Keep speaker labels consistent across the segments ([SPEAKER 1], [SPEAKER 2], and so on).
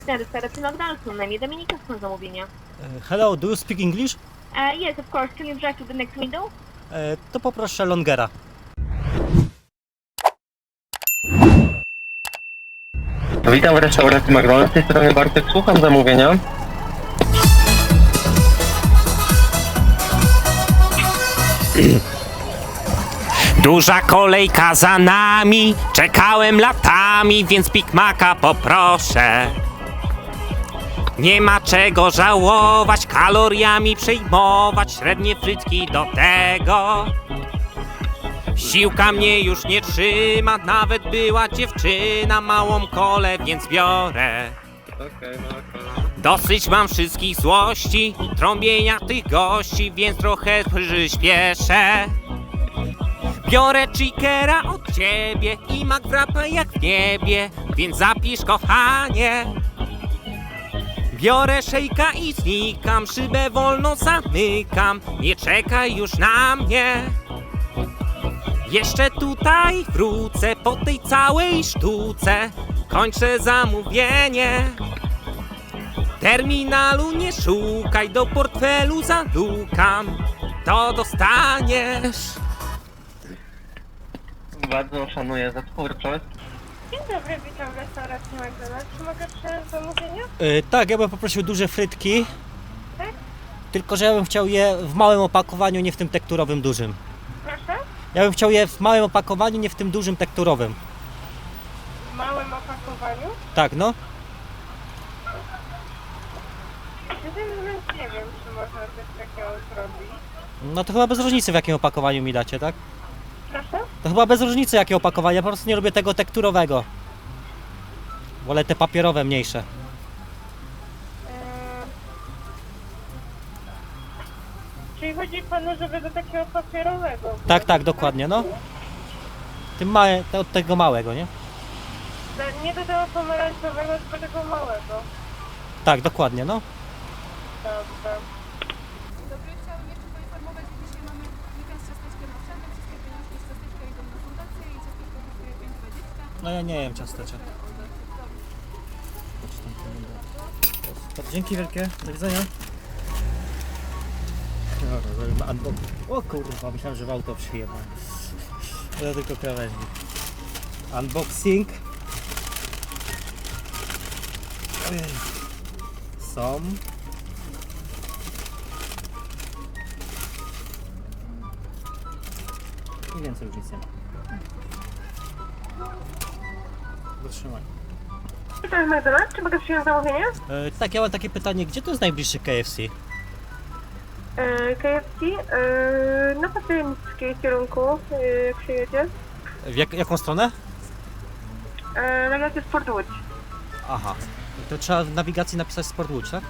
[SPEAKER 1] Restauracji McDonald's, na imię Dominika, są zamówienia.
[SPEAKER 2] Hello, do you speak English?
[SPEAKER 1] Yes, of course. Can you drive to the next window?
[SPEAKER 2] To poproszę longera.
[SPEAKER 3] Witam w restauracji McDonald's, z tej strony Bartek, słucham zamówienia.
[SPEAKER 4] Duża kolejka za nami, czekałem latami, więc Big Maca poproszę. Nie ma czego żałować, kaloriami przejmować, średnie frytki do tego. Siłka mnie już nie trzyma, nawet była dziewczyna, małą kolę więc biorę. Dosyć mam wszystkich złości, trąbienia tych gości, więc trochę przyspieszę. Biorę chickera od ciebie i McWrapa jak w niebie, więc zapisz kochanie. Biorę szejka i znikam, szybę wolno zamykam, nie czekaj już na mnie. Jeszcze tutaj wrócę po tej całej sztuce, kończę zamówienie. Terminalu nie szukaj, do portfelu zalukam, to dostaniesz.
[SPEAKER 3] Bardzo szanuję za twórczość.
[SPEAKER 5] Dzień dobry, witam w restauracji McDonald's. Czy mogę przyjąć zamówienie?
[SPEAKER 2] Tak, ja bym poprosił duże frytki.
[SPEAKER 5] Tak?
[SPEAKER 2] Tylko, że ja bym chciał je w małym opakowaniu, nie w tym tekturowym dużym.
[SPEAKER 5] Proszę?
[SPEAKER 2] Ja bym chciał je w małym opakowaniu, nie w tym dużym tekturowym.
[SPEAKER 5] W małym opakowaniu?
[SPEAKER 2] Tak, no.
[SPEAKER 5] Szczerze mówiąc nie wiem, czy można coś takiego zrobić.
[SPEAKER 2] No to chyba bez różnicy, w jakim opakowaniu mi dacie, tak?
[SPEAKER 5] Proszę?
[SPEAKER 2] To chyba bez różnicy, jakie opakowanie, ja po prostu nie lubię tego tekturowego. Wolę te papierowe, mniejsze.
[SPEAKER 5] Czyli chodzi panu, żeby do takiego papierowego?
[SPEAKER 2] Tak, tak, dokładnie, no. Tym małe, od tego małego, nie?
[SPEAKER 5] Nie do tego pomarańczowego, tylko tego małego.
[SPEAKER 2] Tak, dokładnie, no.
[SPEAKER 5] Dobrze.
[SPEAKER 6] Dobry, chciałabym jeszcze poinformować, że dzisiaj mamy weekend z ciasteczkiem owsianym. Wszystkie pieniążki z ciasteczka idą na fundację i ciasteczko kosztuje 5,20.
[SPEAKER 2] No ja nie jem ciasteczek. Dzięki wielkie, do widzenia. Dobra, zrobimy unboxing. O kurwa, myślałem, że w auto przyjechałem. To tylko krawężnik. Unboxing. Ojej. Są. I więcej już nic nie ma. Zatrzymaj.
[SPEAKER 5] Witam w McDonald's. Czy mogę przyjąć zamówienie?
[SPEAKER 2] Tak, ja mam takie pytanie, gdzie to jest najbliższy KFC?
[SPEAKER 5] KFC? Na Patyńskiej kierunku, jak przyjedzie.
[SPEAKER 2] W jaką stronę?
[SPEAKER 5] Tak jak jest Fort Łódź.
[SPEAKER 2] Aha. To trzeba w nawigacji napisać Sport Łódź, tak?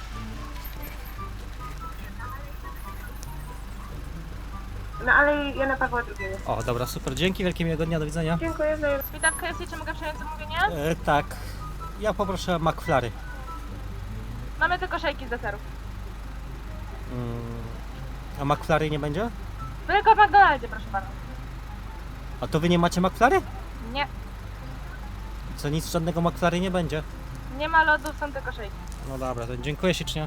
[SPEAKER 5] Na Alei Jana Pawła II.
[SPEAKER 2] O, dobra, super. Dzięki, wielkie miłego dnia, do widzenia.
[SPEAKER 5] Dziękuję za...
[SPEAKER 6] Witam w KFC, czy mogę przyjąć zamówienie?
[SPEAKER 2] Tak. Ja poproszę McFlurry.
[SPEAKER 6] Mamy tylko szejki z deserów.
[SPEAKER 2] A McFlurry nie będzie?
[SPEAKER 6] Tylko w McDonaldzie, proszę pana.
[SPEAKER 2] A to wy nie macie McFlurry?
[SPEAKER 6] Nie,
[SPEAKER 2] Co, nic, żadnego McFlurry nie będzie?
[SPEAKER 6] nie ma lodów, są tylko szejki.
[SPEAKER 2] No dobra, to dziękuję ślicznie.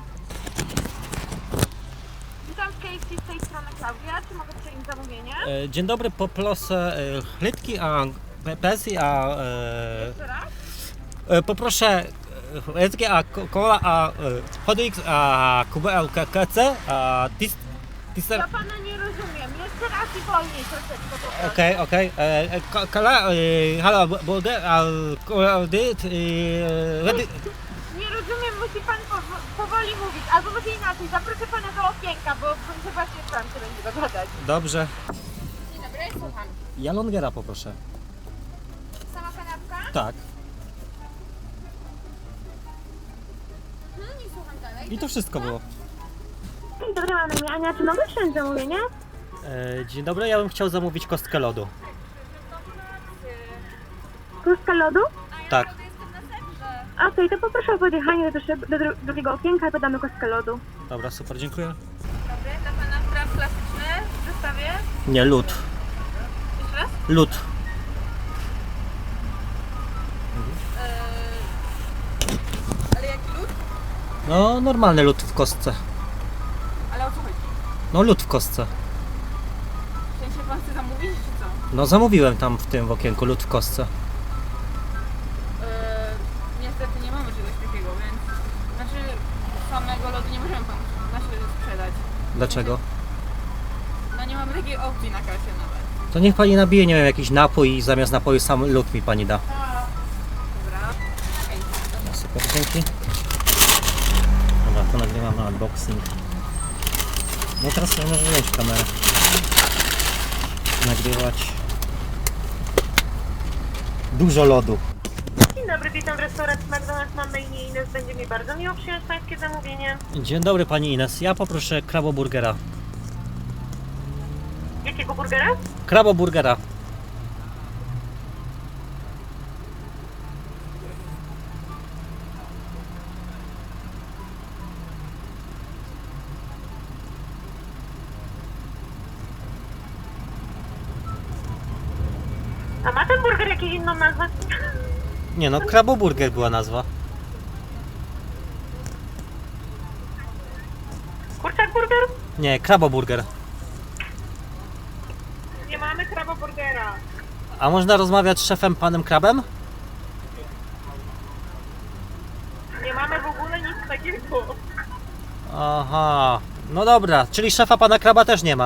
[SPEAKER 6] Witam w KFC, z tej strony Klaudia, czy mogę przyjąć zamówienie?
[SPEAKER 2] Dzień dobry, poproszę chlitki, a pensji, a...
[SPEAKER 6] Jeszcze raz?
[SPEAKER 2] Poproszę chlitki, a cola, a chodnik, a kubę, KC, a
[SPEAKER 6] Ja pana nie rozumiem. Jeszcze raz i wolniej troszeczkę poproszę.
[SPEAKER 2] Okej. Kola, halo, burger, a cola,
[SPEAKER 6] Nie rozumiem, musi pan powoli mówić. Albo może inaczej, zaproszę pana do okienka, bo zobaczcie, co tam się będzie dogadać.
[SPEAKER 2] Dobrze.
[SPEAKER 6] Dzień dobry, słucham.
[SPEAKER 2] Ja longera poproszę.
[SPEAKER 6] Sama kanapka?
[SPEAKER 2] Tak.
[SPEAKER 6] Nie słucham dalej.
[SPEAKER 2] I to wszystko było.
[SPEAKER 5] Dzień dobry, mam na imię Ania. Czy mogę przyjąć zamówienie?
[SPEAKER 2] Dzień dobry, ja bym chciał zamówić kostkę lodu.
[SPEAKER 5] Kostka lodu?
[SPEAKER 2] Tak.
[SPEAKER 5] Okej, to poproszę o podjechanie do drugiego okienka i podamy kostkę lodu.
[SPEAKER 2] Dobra, super, dziękuję.
[SPEAKER 6] Dobry, dla pana spraw klasyczny w zestawie.
[SPEAKER 2] Nie, lód.
[SPEAKER 6] Jeszcze raz?
[SPEAKER 2] Lód. No, normalny lód w kostce.
[SPEAKER 6] Ale o co chodzi?
[SPEAKER 2] No, lód w kostce.
[SPEAKER 6] W sensie pan chce zamówić, czy co?
[SPEAKER 2] No, zamówiłem tam w tym okienku lód w kostce.
[SPEAKER 6] Niestety nie mamy czegoś takiego, więc... Znaczy, samego lodu nie możemy panu sprzedać.
[SPEAKER 2] Dlaczego?
[SPEAKER 6] No nie mamy takiej opcji na kasie nawet.
[SPEAKER 2] To niech pani nabije, nie wiem, jakiś napój i zamiast napoju sam lód mi pani da.
[SPEAKER 6] Dobra. Okej.
[SPEAKER 2] No, super, dzięki. Dobra, to nagrywamy unboxing. No teraz sobie może wziąć kamerę. Nagrywać. Dużo lodu.
[SPEAKER 1] Dzień dobry, witam w restauracji McDonald's. Mam na imię Ines. Będzie mi bardzo miło przyjąć pańskie zamówienie.
[SPEAKER 2] Dzień dobry pani Ines, ja poproszę kraboburgera.
[SPEAKER 1] Jakiego burgera?
[SPEAKER 2] Kraboburgera.
[SPEAKER 1] A ma ten burger jakąś inną nazwę?
[SPEAKER 2] Nie no, kraboburger była nazwa.
[SPEAKER 1] Kurczak burger?
[SPEAKER 2] Nie, kraboburger.
[SPEAKER 1] Nie mamy kraboburgera.
[SPEAKER 2] A można rozmawiać z szefem panem Krabem?
[SPEAKER 1] Nie mamy w ogóle nic takiego.
[SPEAKER 2] Aha, no dobra, czyli szefa pana Kraba też nie ma.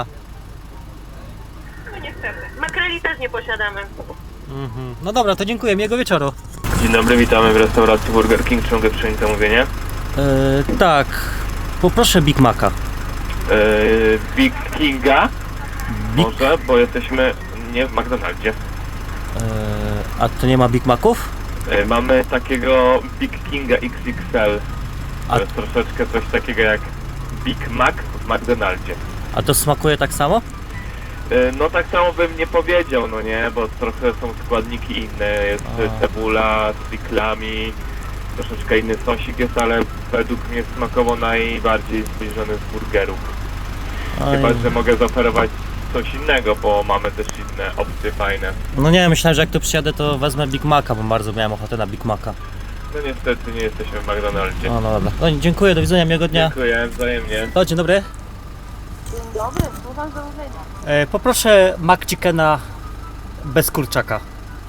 [SPEAKER 1] No niestety. Makreli też nie posiadamy.
[SPEAKER 2] No dobra, to dziękuję, miłego wieczoru.
[SPEAKER 3] Dzień dobry, witamy w restauracji Burger King. Czy mogę przyjąć zamówienie?
[SPEAKER 2] Tak, poproszę Big Maca.
[SPEAKER 3] Big Kinga? Może, bo jesteśmy nie w McDonaldzie.
[SPEAKER 2] A to nie ma Big Maców?
[SPEAKER 3] Mamy takiego Big Kinga XXL.
[SPEAKER 2] A-
[SPEAKER 3] To jest troszeczkę coś takiego jak Big Mac w McDonaldzie.
[SPEAKER 2] A to smakuje tak samo?
[SPEAKER 3] No tak samo bym nie powiedział, no nie, bo trochę są składniki inne, jest cebula z piklami, troszeczkę inny sosik jest, ale według mnie smakowo najbardziej zbliżony z burgerów. Chyba, że mogę zaoferować coś innego, bo mamy też inne opcje fajne.
[SPEAKER 2] No nie, myślałem, że jak tu przyjadę, to wezmę Big Maca, bo bardzo miałem ochotę na Big Maca.
[SPEAKER 3] No niestety nie jesteśmy w McDonaldzie.
[SPEAKER 2] No dobra. No, dziękuję, do widzenia, miłego dnia.
[SPEAKER 3] Dziękuję, wzajemnie.
[SPEAKER 2] O, dzień dobry.
[SPEAKER 1] Dzień dobry, słucham zamówienia.
[SPEAKER 2] Poproszę McChickena bez kurczaka.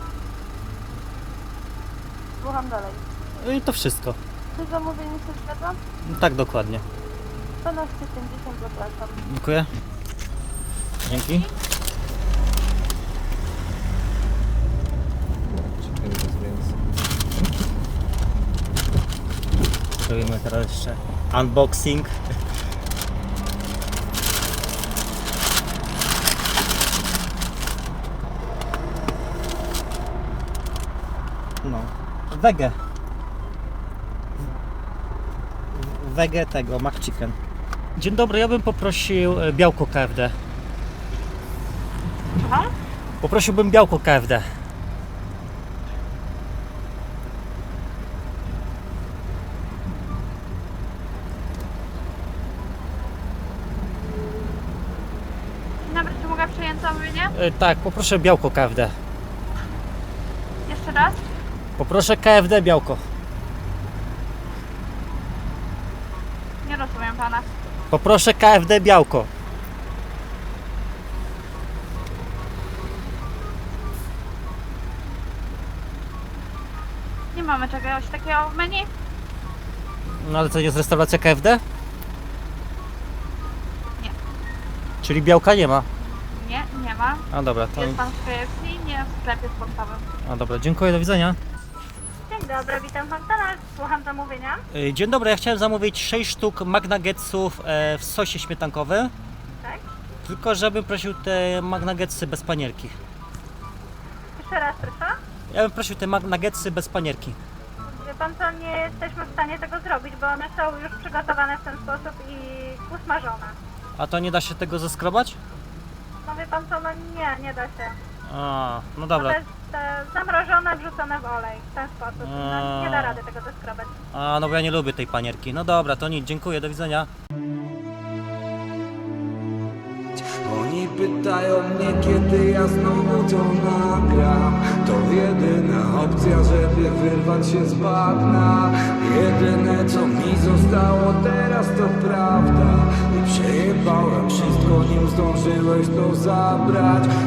[SPEAKER 1] Słucham dalej.
[SPEAKER 2] I to wszystko.
[SPEAKER 1] Czy zamówienie się zgadza?
[SPEAKER 2] Tak, dokładnie.
[SPEAKER 1] 12,50 zapraszam.
[SPEAKER 2] Dziękuję. Dzięki. Zrobimy teraz jeszcze unboxing. No, wege. Wege tego, McChicken. Dzień dobry, ja bym poprosił białko KFD.
[SPEAKER 1] Aha.
[SPEAKER 2] Poprosiłbym białko KFD.
[SPEAKER 5] Dzień dobry, czy mogę przyjąć zamówienie?
[SPEAKER 2] Tak, poproszę białko KFD.
[SPEAKER 5] Jeszcze raz?
[SPEAKER 2] Poproszę KFD białko.
[SPEAKER 5] Nie rozumiem pana.
[SPEAKER 2] Poproszę KFD białko.
[SPEAKER 5] Nie mamy czegoś takiego w menu?
[SPEAKER 2] No ale to jest restauracja KFD?
[SPEAKER 5] Nie.
[SPEAKER 2] Czyli białka nie ma.
[SPEAKER 5] Nie, nie ma.
[SPEAKER 2] A dobra, to...
[SPEAKER 5] Jest pan w KFC, nie w sklepie sportowym.
[SPEAKER 2] A dobra, dziękuję, do widzenia.
[SPEAKER 1] Dzień dobry, witam w McDonald's. Słucham zamówienia.
[SPEAKER 2] Dzień dobry, ja chciałem zamówić 6 sztuk McNuggetsów w sosie śmietankowym.
[SPEAKER 1] Tak?
[SPEAKER 2] Tylko żebym prosił te McNuggetsy bez panierki.
[SPEAKER 1] Jeszcze raz proszę.
[SPEAKER 2] Ja bym prosił te McNuggetsy bez panierki.
[SPEAKER 1] Wie pan co, nie jesteśmy w stanie tego zrobić, bo one są już przygotowane w ten sposób i usmażone.
[SPEAKER 2] A to nie da się tego zeskrobać?
[SPEAKER 1] No wie pan co, no nie da się.
[SPEAKER 2] A, no
[SPEAKER 1] To
[SPEAKER 2] dobra.
[SPEAKER 1] jest zamrożone, wrzucone w olej w ten sposób. No, nie da rady tego zeskrobać.
[SPEAKER 2] A, no bo ja nie lubię tej panierki. No dobra, to nic, dziękuję, do widzenia.
[SPEAKER 7] Oni pytają mnie, kiedy ja znowu to nagram. To jedyna opcja, żeby wyrwać się z bagna. Jedyne co mi zostało stało teraz, to prawda. I przejebałem wszystko, nim zdążyłeś to zabrać.